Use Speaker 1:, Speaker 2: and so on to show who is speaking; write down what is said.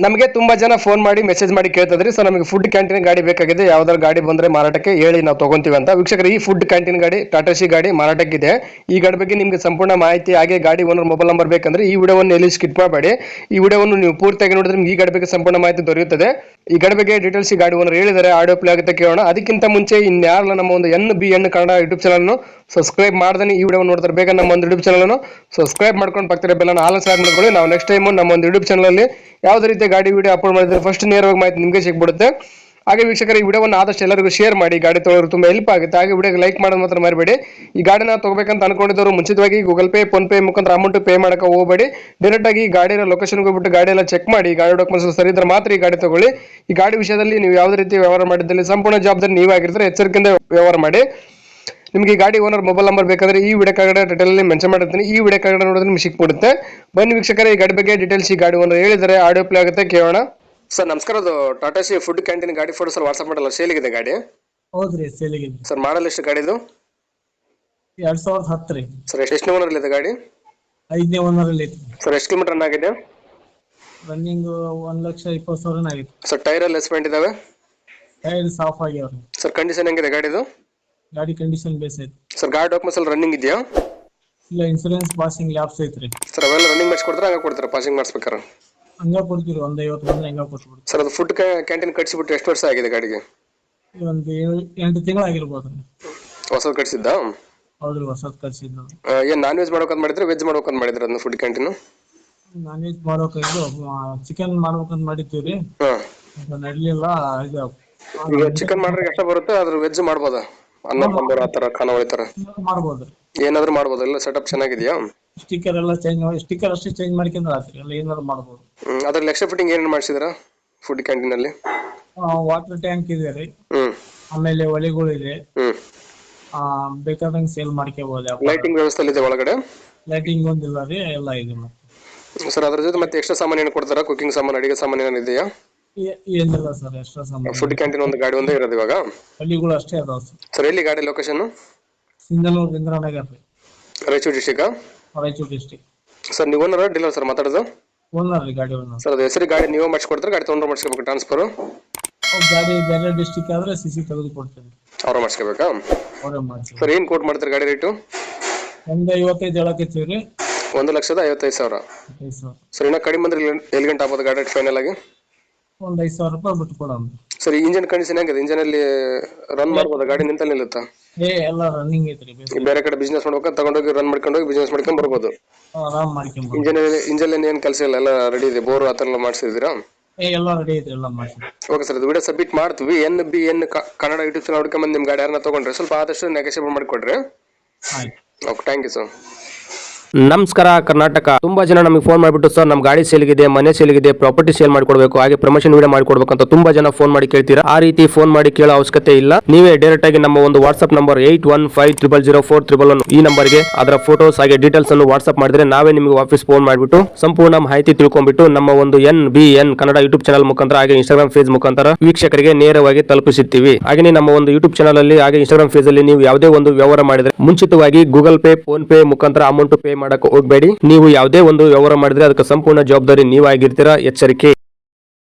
Speaker 1: ನಮಗೆ ತುಂಬಾ ಜನ ಫೋನ್ ಮಾಡಿ ಮೆಸೇಜ್ ಮಾಡಿ ಕೇಳ್ತಿದ್ರಿ ಸರ್ ನಮಗೆ ಫುಡ್ ಕ್ಯಾಂಟೀನ್ ಗಾಡಿ ಬೇಕಾಗಿದೆ ಯಾವ್ದಾದ್ರು ಗಾಡಿ ಬಂದ್ರೆ ಮಾರಾಟಕ್ಕೆ ಹೇಳಿ ನಾವು ತಗೊಂತೀವಿ ಅಂತ. ವೀಕ್ಷಕರು, ಈ ಫುಡ್ ಕ್ಯಾಂಟೀನ್ ಗಾಡಿ ಟಾಟಾ ಸಿ ಗಾಡಿ ಮಾರಾಟಕ್ಕಿದೆ. ಈ ಗಾಡಿ ಬಗ್ಗೆ ನಿಮಗೆ ಸಂಪೂರ್ಣ ಮಾಹಿತಿ ಹಾಗೆ ಗಾಡಿ ಓನರ್ ಮೊಬೈಲ್ ನಂಬರ್ ಬೇಕಂದ್ರೆ ಈ ವಿಡಿಯೋವನ್ನು ಎಲ್ಲಿ ಸ್ಕಿಪ್ ಮಾಡಬೇಡಿ. ಈ ವಿಡಿಯೋವನ್ನು ನೀವು ಪೂರ್ತಿಯಾಗಿ ನೋಡಿದ್ರೆ ನಿಮ್ಗೆ ಈ ಗಾಡಿ ಬಗ್ಗೆ ಸಂಪೂರ್ಣ ಮಾಹಿತಿ ದೊರೆಯುತ್ತದೆ. ಈ ಗಾಡಿ ಬಗ್ಗೆ ಡೀಟೇಲ್ಸ್ ಈ ಗಾಡಿ ಓನರ್ ಹೇಳಿದರೆ ಆಡಿಯೋ ಪ್ಲೇ ಆಗುತ್ತೆ, ಕೇಳೋಣ. ಅದಕ್ಕಿಂತ ಮುಂಚೆ ಇನ್ಯಾರಲ್ಲ ನಮ್ಮ ಒಂದು NBN Kannada YouTube channel subscribe ಮಾಡ್ದೆ ಈ ವಿಡಿಯೋ ನೋಡ್ತಾರೆ ಬೇಗ ನಮ್ಮ ಒಂದು ಯೂಟ್ಯೂಬ್ ಚಾನಲ್ ಸಬ್ಸ್ಕ್ರೈಬ್ ಮಾಡ್ಕೊಂಡು ಪಕ್ಕದ ಬೆಲ್ ಆಲ್ ಸ್ಟಾರ್ಟ್ ಮಾಡ್ಕೊಳ್ಳಿ. ನಾವು ನೆಕ್ಸ್ಟ್ ಟೈಮ್ ನಮ್ಮ ಒಂದು ಯೂಟ್ಯೂಬ್ ಚಾನಲ್ ಅಲ್ಲಿ ಯಾವುದೇ ರೀತಿಯ ಗಾಡಿ ವಿಡಿಯೋ ಅಪ್ಲೋಡ್ ಮಾಡಿದ್ರೆ ಫಸ್ಟ್ ನೇರವಾಗಿ ಮಾಹಿತಿ ನಿಮಗೆ ಸಿಗ್ಬಿಡುತ್ತೆ. ಹಾಗೆ ವೀಕ್ಷಕರ, ಈ ವಿಡಿಯೋವನ್ನು ಆದಷ್ಟು ಎಲ್ಲರಿಗೂ ಶೇರ್ ಮಾಡಿ, ಗಾಡಿ ತೊಗೊಳ್ಳೋರು ತುಂಬಾ ಹೆಲ್ಪ್ ಆಗುತ್ತೆ. ಹಾಗೆ ವಿಡಿಯೋಗೆ ಲೈಕ್ ಮಾಡೋದು ಮಾತ್ರ ಮರಿಬೇಡಿ. ಈ ಗಾಡಿನ ತಗೋಬೇಕಂತ ಅನ್ಕೊಂಡಿದ್ದವರು ಮುಂಚಿತವಾಗಿ ಗೂಗಲ್ ಪೇ, ಫೋನ್ ಪೇ ಮುಖಾಂತರ ಅಮೌಂಟ್ ಪೇ ಮಾಡಕ್ಕೆ ಹೋಗಬೇಡಿ. ಡೈರೆಕ್ಟ್ ಆಗಿ ಗಾಡಿಯ ಲೊಕೇಶನ್ಗೆ ಹೋಗ್ಬಿಟ್ಟು ಗಾಡಿ ಎಲ್ಲ ಚೆಕ್ ಮಾಡಿ, ಗಾಡಿ ಡಾಕ್ಯುಮೆಂಟ್ಸ್ ಸರಿ ಇದ್ರೆ ಮಾತ್ರ ಈ ಗಾಡಿ ತಗೊಳ್ಳಿ. ಈ ಗಾಡಿ ವಿಷಯದಲ್ಲಿ ನೀವು ಯಾವುದೇ ರೀತಿ ವ್ಯವಹಾರ ಮಾಡಿದ್ದಲ್ಲಿ ಸಂಪೂರ್ಣ ಜವಾಬ್ದಾರಿ ನೀವಾಗಿರ್ತಾರೆ, ಎಚ್ಚರಿಕೆಯಿಂದ ವ್ಯವಹಾರ ಮಾಡಿ. ನಿಮಗೆ ಈ ಗಾಡಿ ಓನರ್ ಮೊಬೈಲ್ ನಂಬರ್ ಬೇಕಾದ್ರೆ ಈ ವಿಡಿಯೋ ಕೆಳಗಡೆ ಡೀಟೇಲ್ ಮೆನ್ಷನ್ ಮಾಡಿರ್ತೀನಿ, ಈ ವಿಡಿಯೋ ಕೆಳಗಡೆ ನೋಡಿದ್ರೆ ನಿಮ್ಗೆ ಸಿಕ್ಬಿಡುತ್ತೆ. ಬನ್ನಿ ವೀಕ್ಷಕರೇ, ಈ ಗಾಡಿ ಬಗ್ಗೆ ಡೀಟೇಲ್ಸ್ ಈ ಗಾಡಿ ಓನರ್ ಹೇಳಿದರೆ ಆಡಿಯೋ ಪ್ಲೇ ಆಗುತ್ತೆ, ಕೇಳೋಣ. ಸರ್ ನಮಸ್ಕಾರ, ಅದು ಟಾಟಾ ಸಿ ಫುಡ್ ಕ್ಯಾಂಟೀನ್ ಗಾಡಿ ಫೋಟೋ ಸರ್ ವಾಟ್ಸ್ಆಪ್ ಮಾಡಲ್ಲ, ಸೇಲಿಗಿದೆ ಗಾಡಿ?
Speaker 2: ಹೌದ್ರಿ, ಸೇಲಿಗಿದೆ
Speaker 1: ಸರ್. ಮಾಡಲ್ ಎಷ್ಟು ಗಾಡಿದು?
Speaker 2: 2010 ರೀ.
Speaker 1: ಸರ್ ಎಷ್ಟು ಓನರ್ ಇದೆ ಗಾಡಿ?
Speaker 2: 5ನೇ ಓನರಲ್ಲಿ ಐತಿ
Speaker 1: ಸರ್. ಎಷ್ಟು ಕಿಲೋಮೀಟರ್ ರನ್ ಆಗಿದೆ?
Speaker 2: ರನ್ನಿಂಗ್ 1,20,000 ಆಗಿತ್ತು
Speaker 1: ಸರ್. ಟೈರ್ ಎಲ್ಲ ಎಸ್ಪೆಂಟ್ ಇದಾವೆ?
Speaker 2: ಟೈರ್ ಸಾಫ್ ಆಗ್ಯಾವ್ರಿ.
Speaker 1: ಸರ್ ಕಂಡೀಷನ್ ಹೆಂಗಿದೆ ಗಾಡಿದು?
Speaker 2: ಗಾಡಿ ಕಂಡೀಷನ್ ಬೇಸ್ ಐತಿ
Speaker 1: ಸರ್. ಗಾಡಿ ಡಾಕ್ಯುಮೆಂಟ್ಸ್ ಎಲ್ಲ ರನ್ನಿಂಗ್ ಇದೆಯಾ?
Speaker 2: ಇಲ್ಲ, ಇನ್ಸೂರೆನ್ಸ್ ಪಾಸಿಂಗ್ ಲ್ಯಾಬ್ಸ್ ಐತ್ರಿ.
Speaker 1: ಸರ್ ಅವೆಲ್ಲ ರನ್ನಿಂಗ್ ಮಾಡಿಸಿ ಕೊಡ್ತಾರೆ, ಹಂಗ ಕೊಡ್ತಾರೆ ಪಾಸಿಂಗ್ ಮಾಡಿಸ್ಬೇಕಾರೆ?
Speaker 2: ಹಂಗ ಕೊಡ್ತೀರಿ, 150 ಬಂದ್ರೆ ಹಂಗ ಕೊಟ್ಬಿಡ್ತೀವಿ.
Speaker 1: ಸರ್ ಅದು ಫುಡ್ ಕ್ಯಾಂಟೀನ್ ಕಟ್ಸಿಬಿಟ್ಟು ಎಷ್ಟು ವರ್ಷ ಆಗಿದೆ ಗಾಡಿಗೆ?
Speaker 2: ಒಂದು 8 ತಿಂಗಳು ಆಗಿರ್ಬೋದು.
Speaker 1: ಹೊಸದು ಕಟ್ಸಿದ್ದಾ?
Speaker 2: ಹೌದ್ರಿ, ಹೊಸದ್ ಕಳ್ಸಿದ್ ನಾವು.
Speaker 1: ಏನ್ ನಾನ್ ವೆಜ್ ಮಾಡ್ಬೇಕಂತ ಮಾಡಿದ್ರೆ ವೆಜ್ ಮಾಡ್ಬೇಕಂತ ಮಾಡಿದ್ರೆ ಅದನ್ನ ಫುಡ್ ಕ್ಯಾಂಟೀನ್?
Speaker 2: ನಾನ್ ವೆಜ್ ಮಾಡ್ಬೇಕಾಗಿದ್ದು ಚಿಕನ್ ಮಾಡ್ಬೇಕಂತ ಮಾಡಿದ್ದೀವ್ರಿ, ನಡ್ಲಿಲ್ಲ.
Speaker 1: ಈಗ ಚಿಕನ್ ಮಾಡ್ರೆ ಎಷ್ಟ ಬರುತ್ತೆ? ಅದ್ರ ವೆಜ್ ಮಾಡ್ಬೋದಾ? ಅನ್ನ ಸಾಂಬಾರ್ ಆತರ ಖಾನಾವಳಿ ತರ
Speaker 2: ಮಾಡ್ಬೋದು,
Speaker 1: ಏನಾದ್ರು ಮಾಡ್ಬೋದು. ಎಲ್ಲ ಸೆಟಪ್ ಚೆನ್ನಾಗಿದೆಯಾ?
Speaker 2: ಸ್ಟಿಕ್ಕರ್ ಎಲ್ಲ ಚೇಂಜ್ ಮಾಡಿ, ಸ್ಟಿಕ್ಕರ್ ಅಷ್ಟೇ ಚೇಂಜ್ ಮಾಡ್ಕೊಂಡ್ರೆ ಆತ್ರಿ, ಎಲ್ಲ ಏನಾದ್ರು ಮಾಡ್ಬೋದು.
Speaker 1: ಅದ್ರಲ್ಲಿ ಎಕ್ಸ್ಟ್ರಾ ಫಿಟ್ಟಿಂಗ್ ಏನೇನು ಮಾಡಿಸಿದ್ರ ಫುಡ್ ಕ್ಯಾಂಟೀನ್ ಅಲ್ಲಿ?
Speaker 2: ವಾಟರ್ ಟ್ಯಾಂಕ್ ಇದೆ ರೀ, ಆಮೇಲೆ ಒಲೆಗಳಿದೆ, ಬೇಕಾದಂಗೆ ಸೇಲ್ ಮಾಡ್ಕೋಬಹುದು.
Speaker 1: ಲೈಟಿಂಗ್ ವ್ಯವಸ್ಥೆ ಇದೆ ಒಳಗಡೆ?
Speaker 2: ಲೈಟಿಂಗ್ ಒಂದಿಲ್ಲ ರೀ, ಎಲ್ಲ ಇದೆ.
Speaker 1: ಸರ್ ಅದ್ರ ಜೊತೆ ಮತ್ತೆ ಎಕ್ಸ್ಟ್ರಾ ಸಾಮಾನು ಏನು ಕೊಡ್ತಾರ? ಕುಕಿಂಗ್ ಸಾಮಾನು, ಅಡಿಗೆ ಸಾಮಾನು ಏನಾದ್ರು ಇದೆಯಾ?
Speaker 2: ಏನಿಲ್ಲ ಸರ್, ಎಕ್ಸ್ಟ್ರಾ ಸಾಮಾನು.
Speaker 1: ಫುಡ್ ಕ್ಯಾಂಟೀನ್ ಒಂದು ಗಾಡಿ ಒಂದೇ ಇರೋದು ಇವಾಗ?
Speaker 2: ಹಳ್ಳಿಗಳು ಅಷ್ಟೇ ಅದಾವ
Speaker 1: ಸರ್. ಎಲ್ಲಿ ಗಾಡಿ ಲೊಕೇಶನ್?
Speaker 2: ಸಿಂಧನೂರು ಇಂದ್ರಾನಗರ್ ರೀ,
Speaker 1: Raichur district?
Speaker 2: Raichur district.
Speaker 1: Sir ನೀವು ಓನರ್ ಡೀಲರ್ ಸರ್ ಮಾತಾಡೋದು?
Speaker 2: ಓನರ್ ರೀ, ಗಾಡಿ ಓನರ್.
Speaker 1: ಸರ್ ಅದು ಹೆಸರು ಗಾಡಿ ನೀವು ಮಾಡಿಸ್ಕೊಡ್ತಾರೆ, ಗಾಡಿ ತೊಗೊಂಡ್ರೆ ಮಾಡಿಸ್ಕೋಬೇಕು ಟ್ರಾನ್ಸ್ಫರ್?
Speaker 2: ಗಾಡಿ ಬೇರೆ ಡಿಸ್ಟಿಕ್ ಆದ್ರೆ CC ತೆಗೆದು ಕೊಡ್ತೇವೆ,
Speaker 1: ಅವ್ರ ಮಾಡಿಸ್ಕೋಬೇಕಾ?
Speaker 2: ಅವರೇ ಮಾಡ್ತೀವಿ.
Speaker 1: ಸರ್ ಏನ್ ಕೋಟ್ ಮಾಡ್ತಾರೆ ಗಾಡಿ ರೇಟು?
Speaker 2: 1,55,000 ಹೇಳಕತ್ತೀವಿ ರೀ.
Speaker 1: 1,55,000. ಸರ್ ಇನ್ನ ಕಡಿಮೆ ಬಂದ್ರೆ ಎಲ್ಲಿ ಗಂಟೆ ಆಗ್ಬೋದು ಗಾಡಿ ಫೈನಲ್ ಆಗಿ?
Speaker 2: ಒಂದು 5,000 ರೂಪಾಯಿ ಬಿಟ್ಟು ಕೊಡೋಣ.
Speaker 1: ಸರ್ ಇಂಜಿನ್ ಕಂಡೀಷನ್ ಹೆಂಗಿದೆ? ಇಂಜಿನ್ ಅಲ್ಲಿ ರನ್ ಮಾಡ್ಬೋದಾ ಗಾಡಿ? ನಿಂತಲ್ಲಿ ನಿಲ್ಲುತ್ತಾ?
Speaker 2: ಎಲ್ಲ ರನ್ನಿಂಗ್ ಐತ್ರಿ.
Speaker 1: ಬೇರೆ ಕಡೆ ಬಿಸ್ನೆಸ್ ಮಾಡ್ಬೇಕಾ ತಗೊಂಡೋಗಿ ರನ್ ಮಾಡ್ಕೊಂಡು ಹೋಗಿ ಬಿಸ್ನೆಸ್ ಮಾಡ್ಕೊಂಡ್ ಬರ್ಬೋದು?
Speaker 2: ಆರಾಮ್ ಮಾಡ್ಕೊಂಡ್
Speaker 1: ಇಂಜಿನ್ ಏನ್ ಕೆಲಸ ಇಲ್ಲ, ಎಲ್ಲ ರೆಡಿ ಇದೆ? ಬೋರ್ ಆತರ ಎಲ್ಲ ಮಾಡಿಸಿದೀರಾ?
Speaker 2: ಎಲ್ಲ ರೆಡಿ ಐತ್ರಿ, ಎಲ್ಲ ಮಾಡ್ತೀವಿ.
Speaker 1: ಓಕೆ ಸರ್, ಇದು ವಿಡಿಯೋ ಸಬ್ಮಿಟ್ ಮಾಡ್ತೀವಿ. NBN ಕನ್ನಡ ಯೂಟ್ಯೂಬ್ ಚಾನಲ್ ಹುಡ್ಕೊಂಡ್ ನಿಮ್ ಗಾಡಿ ಯಾರನ್ನ ತಗೊಂಡ್ರೆ ಸ್ವಲ್ಪ ಆದಷ್ಟು ನೆಗೋಷಿಯೇಟ್ ಮಾಡಿಕೊಡ್ರಿ.
Speaker 2: ಆಯ್ತು,
Speaker 1: ಓಕೆ, ಥ್ಯಾಂಕ್ ಯು ಸರ್.
Speaker 3: ನಮಸ್ಕಾರ ಕರ್ನಾಟಕ. ತುಂಬಾ ಜನ ನಮಗೆ ಫೋನ್ ಮಾಡಿಬಿಟ್ಟು ಸರ್ ನಮ್ಮ ಗಾಡಿ ಸೇಲ್ಗಿದೆ, ಮನೆ ಸೇಲ್ಗಿದೆ, ಪ್ರಾಪರ್ಟಿ ಸೇಲ್ ಮಾಡ್ಕೊಡ್ಬೇಕು, ಹಾಗೆ ಪ್ರಮೋಷನ್ ವಿಡಿಯೋ ಮಾಡ್ಕೊಡ್ಬೇಕು ಅಂತ ತುಂಬಾ ಜನ ಫೋನ್ ಮಾಡಿ ಕೇಳ್ತೀರಾ. ಆ ರೀತಿ ಫೋನ್ ಮಾಡಿ ಕೇಳೋ ಅವಶ್ಯಕತೆ ಇಲ್ಲ. ನೀವೇ ಡೈರೆಕ್ಟ್ ಆಗಿ ನಮ್ಮ ಒಂದು ವಾಟ್ಸ್ಆಪ್ ನಂಬರ್ 8150004111 ಈ ನಂಬರ್ಗೆ ಅದರ ಫೋಟೋಸ್ ಹಾಗೆ ಡೀಟೇಲ್ಸ್ ಅನ್ನು ವಾಟ್ಸ್ಆಪ್ ಮಾಡಿದ್ರೆ ನಾವೇ ನಿಮಗೆ ವಾಪಸ್ ಫೋನ್ ಮಾಡಿಬಿಟ್ಟು ಸಂಪೂರ್ಣ ಮಾಹಿತಿ ತಿಳ್ಕೊಂಡ್ಬಿಟ್ಟು ನಮ್ಮ ಒಂದು NBN ಕನ್ನಡ ಯೂಟ್ಯೂಬ್ ಚಾನಲ್ ಮುಖಾಂತರ ಹಾಗೆ ಇನ್ಸ್ಟಾಗ್ರಾಮ್ ಪೇಜ್ ಮುಖಾಂತರ ವೀಕ್ಷಕರಿಗೆ ನೇರವಾಗಿ ತಲುಪಿಸುತ್ತೀವಿ. ಹಾಗೆ ನಮ್ಮ ಒಂದು ಯೂಟ್ಯೂಬ್ ಚಾನಲ್ ಅಲ್ಲಿ ಹಾಗೆ ಇನ್ಸ್ಟಾಗ್ರಾಮ್ ಪೇಜ್ ಅಲ್ಲಿ ನೀವು ಯಾವುದೇ ಒಂದು ವ್ಯವಹಾರ ಮಾಡಿದ್ರೆ ಮುಂಚಿತವಾಗಿ ಗೂಗಲ್ ಪೇ, ಫೋನ್ ಪೇ ಮುಖಾಂತರ ಅಮೌಂಟ್ ಪೇ ಮಾಡಕ್ಕೆ ಹೋಗಬೇಡಿ. ನೀವು ಯಾವುದೇ ಒಂದು ವ್ಯವಹಾರ ಮಾಡಿದ್ರೆ ಅದಕ್ಕೆ ಸಂಪೂರ್ಣ ಜವಾಬ್ದಾರಿ ನೀವಾಗಿರ್ತೀರಾ, ಎಚ್ಚರಿಕೆ.